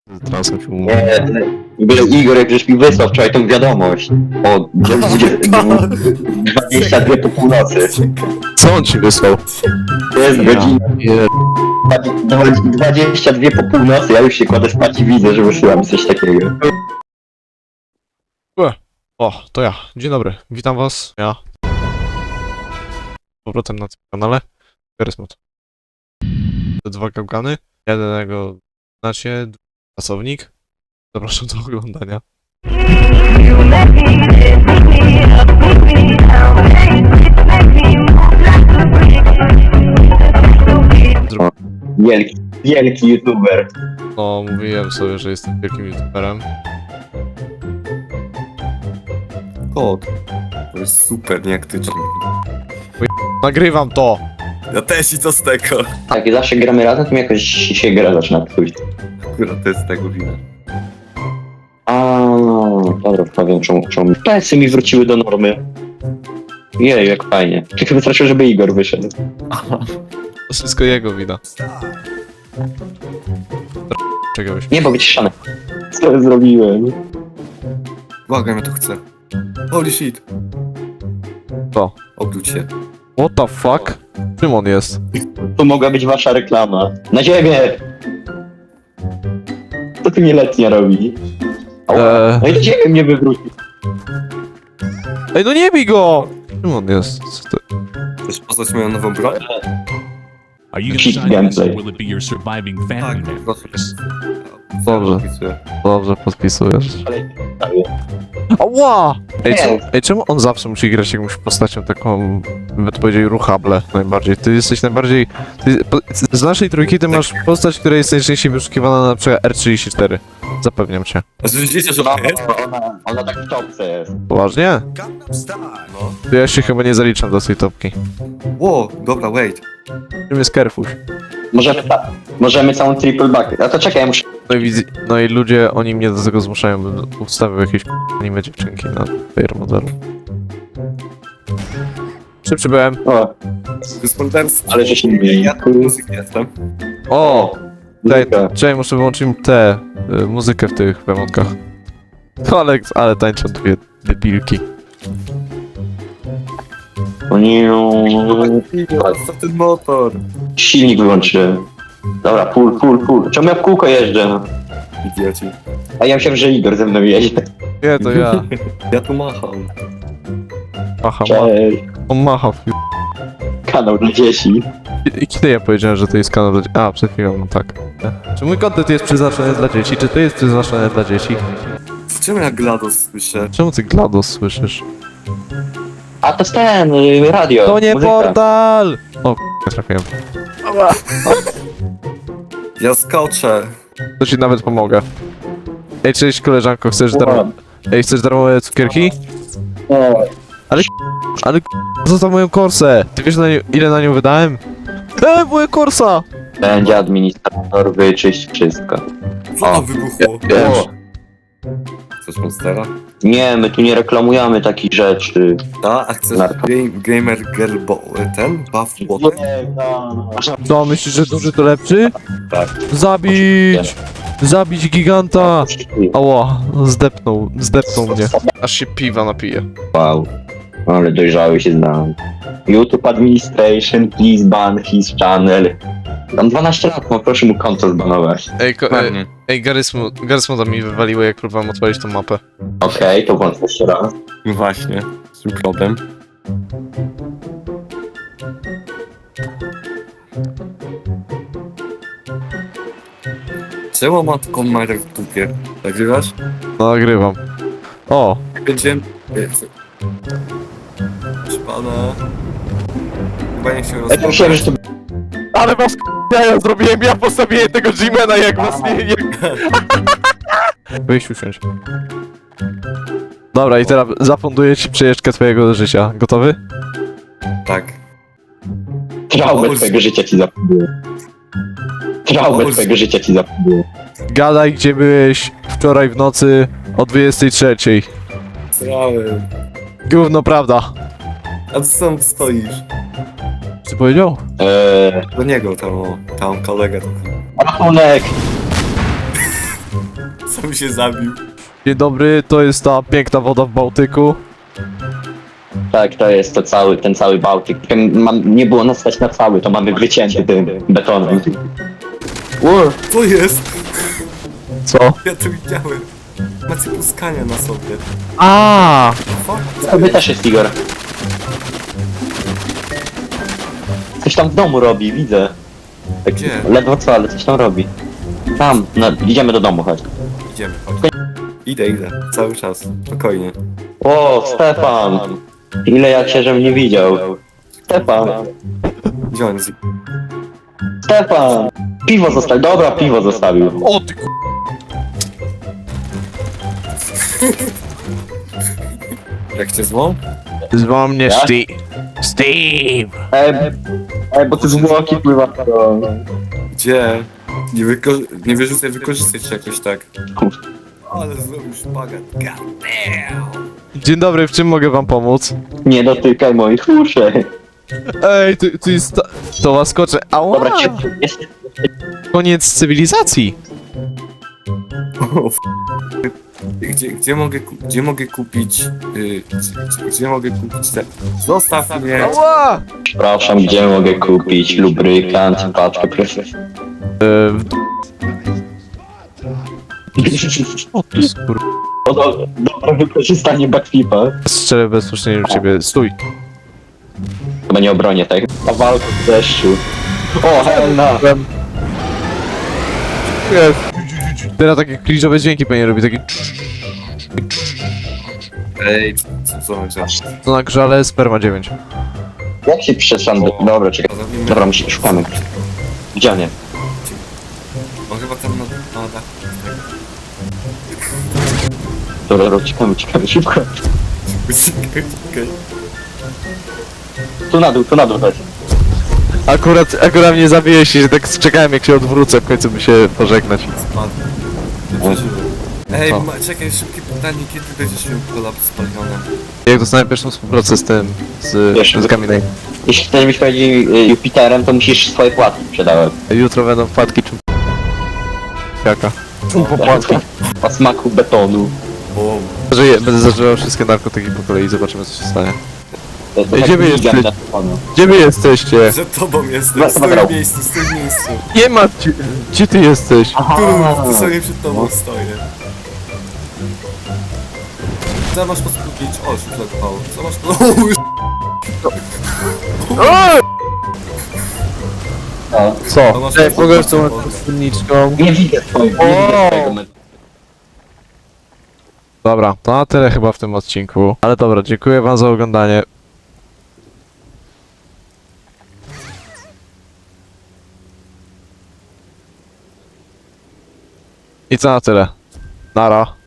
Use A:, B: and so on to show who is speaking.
A: Transem się umówił.
B: Nie, w ogóle Igor, jak żeś mi wysłał wczoraj tą wiadomość o 22 po północy.
A: Co on ci wysłał?
B: Jest godzina
A: Nie,
B: 22 po północy, ja już się kładę spać i widzę, że wysyłam coś takiego.
A: O, to ja. Dzień dobry. Witam was. Ja. Z powrotem na tym kanale. Charismat. Te dwa gałgany. Jednego znacie, drugi pracownik. Zapraszam do oglądania.
B: Wielki youtuber.
A: No, mówiłem sobie, że jestem wielkim youtuberem.
C: Kod. To jest super nieaktyczny.
A: Nagrywam to!
C: Ja też i co z tego?
B: Tak, i zawsze gramy razem, to mi jakoś się gra zaczyna psuć.
C: Akurat to jest tego wina.
B: A, dobra, powiem czemu. PS-y mi wróciły do normy. Jej, jak fajnie. Tylko wystarczyło, żeby Igor wyszedł.
A: To wszystko jego wina. Czegoś.
B: Nie, bo wyciszane. Co ja zrobiłem?
C: Błagam, ja to chcę. Holy shit.
A: Co?
C: Obróć się.
A: What the fuck? Czym on jest?
B: To mogła być wasza reklama. Na ziemię! Co tu nieletnia robi? No i do ziemi mnie wywrócił.
A: Ej, no nie bij go! Czym on jest? Co to?
C: Chcesz poznać moją nową broń?
D: Are you
B: Cheat
D: gonna sign this, or
B: gameplay.
D: will it be your surviving
C: Tak,
D: family member?
C: proszę.
A: Dobrze.
C: Zapisuję.
A: Dobrze, podpisujesz.
B: Ale...
A: Ała! Ej,
B: Nie.
A: ej, czemu on zawsze musi grać jakąś postacią taką, by to powiedzieć, ruchable najbardziej? Ty jesteś najbardziej... z naszej trójki ty masz postać, która jest najczęściej wyszukiwana na przykład R34. Zapewniam cię.
C: A że wiecie, że
B: No,
C: to jest?
B: ona tak w topce jest.
A: Poważnie?
C: No.
A: To ja się chyba nie zaliczam do tej topki.
C: Ło, dobra, wait.
A: Czym jest Kerfuś?
B: Możemy całą triple back. A to czekaj, ja muszę...
A: No i ludzie, oni mnie do tego zmuszają, bym ustawił jakieś anime dziewczynki na fair modelu. Szybszy byłem.
B: O,
C: To jest morderstwo.
B: ale że się nie
C: Ja tu muzyk jestem.
A: O! Daj,
B: muzyka.
A: czekaj, muszę wyłączyć muzykę w tych wemonkach. Ale tańczą dwie debilki.
B: O nie,
C: Co ten motor?
B: silnik wyłączyłem. Dobra, full. Czemu ja w kółko jeżdżę?
C: Idioci.
B: A ja myślałem, że Igor ze mną jedzie.
A: Nie, to ja.
C: Ja tu macham.
A: Macha,
B: Cześć.
A: on macha.
B: Kanał dla dzieci.
A: I kiedy ja powiedziałem, że to jest kanał dla dzieci? A, przed chwilą, no tak. Czy mój content jest przeznaczony dla dzieci? Czy to jest przeznaczone dla dzieci?
C: W czym ja GLaDOS słyszę?
A: Czemu ty GLaDOS słyszysz?
B: A to jest ten, radio.
A: To nie
B: muzyka.
A: portal! O, nie trafiłem.
C: Ja skoczę.
A: To ci nawet pomogę. Ej, cześć koleżanko, chcesz darmo... Ej, chcesz darmowe cukierki?
B: O,
A: Ale zostaw moją korsę! Ty wiesz ile na nią wydałem? Moja korsa!
B: będzie administrator, wyczyść wszystko.
C: Co to wybuchło?
A: Wiem.
B: O,
C: Chcesz monstera?
B: nie, my tu nie reklamujemy takich rzeczy.
C: A chcesz
B: Narko.
C: gamer girl ten? Buff water?
A: Co, myślisz, że duży to lepszy?
B: Tak.
A: Zabić! Zabić giganta! Ała, zdepnął mnie. Aż się piwa napije.
B: Wow, ale dojrzały się znam. YouTube Administration, please ban his channel. Tam 12 lat, no proszę mu konto zbanować.
A: Ej, Garysmoda mi wywaliło, jak próbowałem odpalić tą mapę.
B: Okej, to włącz jeszcze raz.
C: No właśnie, z tym problem. Czemu ma taką marę w dupie? Nagrywasz?
A: No, nagrywam. O,
C: Będziemy... Proszę pana... Chyba nie się
B: Ja
C: rozmawiać.
B: myślałem, że to...
A: ale was ja zrobiłem, ja postawiłem tego G-Mana, jak was nie... Wyjść usiąść. Dobra, i teraz zafunduję ci przejeżdżkę twojego życia. Gotowy?
C: Tak.
B: Traumę
C: Boże.
B: twojego życia ci zafunduję. Traumę
C: Boże.
B: twojego życia ci zafunduję.
A: Gadaj, gdzie byłeś wczoraj w nocy o 23.
C: Srałem.
A: Gówno prawda.
C: A ty sam stoisz.
A: Co powiedział?
C: Do niego tam, tam kolega.
B: Rachunek!
C: Sam się zabił.
A: Dzień dobry, to jest ta piękna woda w Bałtyku.
B: Tak, to jest ten cały Bałtyk. Nie było nas stać na cały, to mamy wycięty tym betonem.
C: Co jest?
A: Co?
C: Ja to widziałem. Macie puskania na sobie.
A: A,
C: Fuck,
B: Tobie też jest, Igor. Coś tam w domu robi, widzę. Tak,
C: Gdzie?
B: ledwo co, ale coś tam robi. Tam, no, idziemy do domu, chodź.
C: Idziemy, chodź. Idę, cały czas, spokojnie.
B: O, Stefan! Ile ja cię, żem nie widział. Stefan!
C: Gdzie on jest?
B: Stefan! Piwo zostawił, dobra, piwo zostawił.
A: o ty
C: Jak cię złą?
A: Zwał mnie
B: Ja?
A: Steve.
B: Bo ty zwłoki pływa.
C: Gdzie? Nie wyrzucaj, wykorzystać się jakoś tak. Ale zrobił szpagat. God damn!
A: Dzień dobry, w czym mogę wam pomóc?
B: Nie dotykaj moich uszy.
A: Ej, tu jest to łaskocze. Ała!
B: Dobra, jest.
A: Koniec cywilizacji.
C: O, Gdzie mogę kupić... Gdzie mogę kupić te... Zostaw mnie!
A: Ała!
B: Przepraszam, gdzie mogę kupić lubrykant, paczkę proszę.
A: O ty skur...
B: Dobre wykorzystanie backflipa.
A: Strzelę bezpośrednio w ciebie. Stój.
B: Chyba nie obronię, tak? Ta walka w deszczu. O, Helena!
A: Teraz takie kliżowe dźwięki pewnie robi, takie...
C: Ej, co on działa?
A: To na grzale sperma 9.
B: Jak się przeszłam do... Dobra, czekaj. Dobra, szukamy. Gdzie on jest?
C: On chyba tam na dachu.
B: Dobra, uciekamy, szybko.
C: Czekaj.
B: Tu na dół, chodź.
A: Akurat mnie zabiłeś i że tak czekałem jak się odwrócę, w końcu by się pożegnać.
C: Spadł. Ej,
A: Co?
C: czekaj, szybkie pytanie, kiedy będziesz miał kolab spaliony?
A: Jak dostanę pierwszą współpracę z tym,
B: Wiesz,
A: z Kaminej.
B: Jeśli chcesz być bardziej Jupiterem, to musisz swoje płatki sprzedawać.
A: Jutro będą wpadki czy... Jaka?
B: O smaku betonu.
C: Bo...
A: Będę zażywał wszystkie narkotyki po kolei i zobaczymy co się stanie.
B: To
A: Ej, gdzie wy
B: tak
A: jesteście?
B: na betonu.
A: Gdzie wy jesteście?
C: Za tobą jestem,
B: Dobra,
C: stój
B: dobra.
C: w miejscu, stój w miejscu.
A: Nie ma ci... Gdzie ty jesteś?
C: Tu sobie przed tobą stoję. Co masz posłuchać? O, szuflad pał. Co masz
B: O,
A: Co?
C: masz
A: Ej, mogę z
C: po-
A: tą spódniczką?
B: nie widzę twojego, nie widzę twojego metu.
A: Dobra, to na tyle chyba w tym odcinku. Ale dobra, dziękuję wam za oglądanie. I co na tyle. Nara.